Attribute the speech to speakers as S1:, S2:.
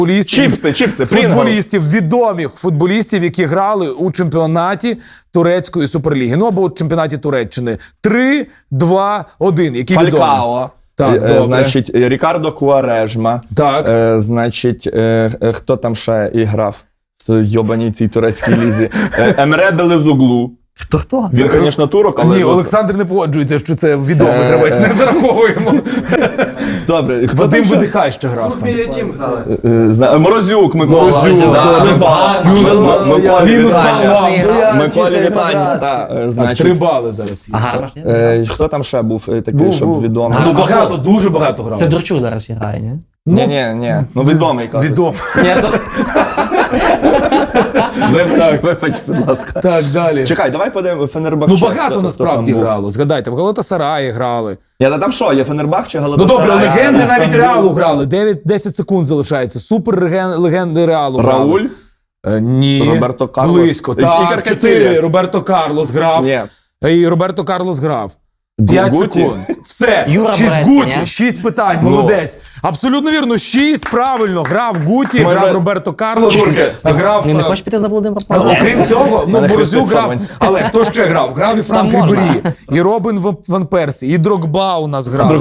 S1: футболістів, відомих футболістів, які грали у чемпіонаті турецької суперліги. Ну, або у чемпіонаті Туреччини. 3, 2, 1. Які відомі?
S2: Фалькао.
S1: Так, добре.
S2: Значить, Рікардо Куарежма.
S1: Так.
S2: Значить, хто там ще і грав в йобаній цій турецькій лізі? Емре Белезуглу.
S3: Хто?
S2: Він, звісно, турок, але...
S1: Ні, Олександр не погоджується, що це відомий гравець, не зараховуємо.
S2: Добре.
S1: Вадим Видихай ще грав там.
S2: Морозюк Микола.
S1: Морозюк, мінус бал.
S2: Миколі вітання.
S1: Так, 3 бали зараз є.
S3: Ага.
S2: Хто там ще був такий, щоб відомий?
S1: Ну, багато, дуже багато грав.
S3: Сидорчук зараз грає, ні?
S2: Ні. Ну, відомий, кажуть.
S1: Відомий.
S2: Вибач, будь ласка.
S1: Так, далі.
S2: Чекай, давай подивимо Фенербахче.
S1: Ну, багато насправді грало. Згадайте, в Галатасараї грали.
S2: Там що, є Фенербахче,
S1: Ну,
S2: Галатасарай?
S1: добре, легенди навіть Реалу грали. 10 секунд залишається. Супер легенди Реалу грали.
S2: Рауль?
S1: Ні.
S2: Роберто Карлос?
S1: Близько. Так,
S2: Ікар
S1: 4.
S2: Касильяс?
S1: Роберто Карлос грав.
S2: Ні.
S1: І Роберто Карлос грав. 5
S2: Гуті?
S1: секунд. Все.
S3: Юра
S1: 6
S3: Борецький,
S1: Гуті,
S3: ні?
S1: 6 питань, молодець. Абсолютно вірно, 6 правильно. Грав Гуті, грав Роберто Карлос, грав...
S3: Він не хоче піти за Володимира Павлова?
S1: Окрім цього, ну,
S2: Мене
S1: Борзюк
S2: Христо
S1: грав,
S2: Фомин.
S1: але хто ще грав? Грав і Франк
S3: Там можна.
S1: Рібері, і Робін Ван Персі, і Дрогба у нас грав.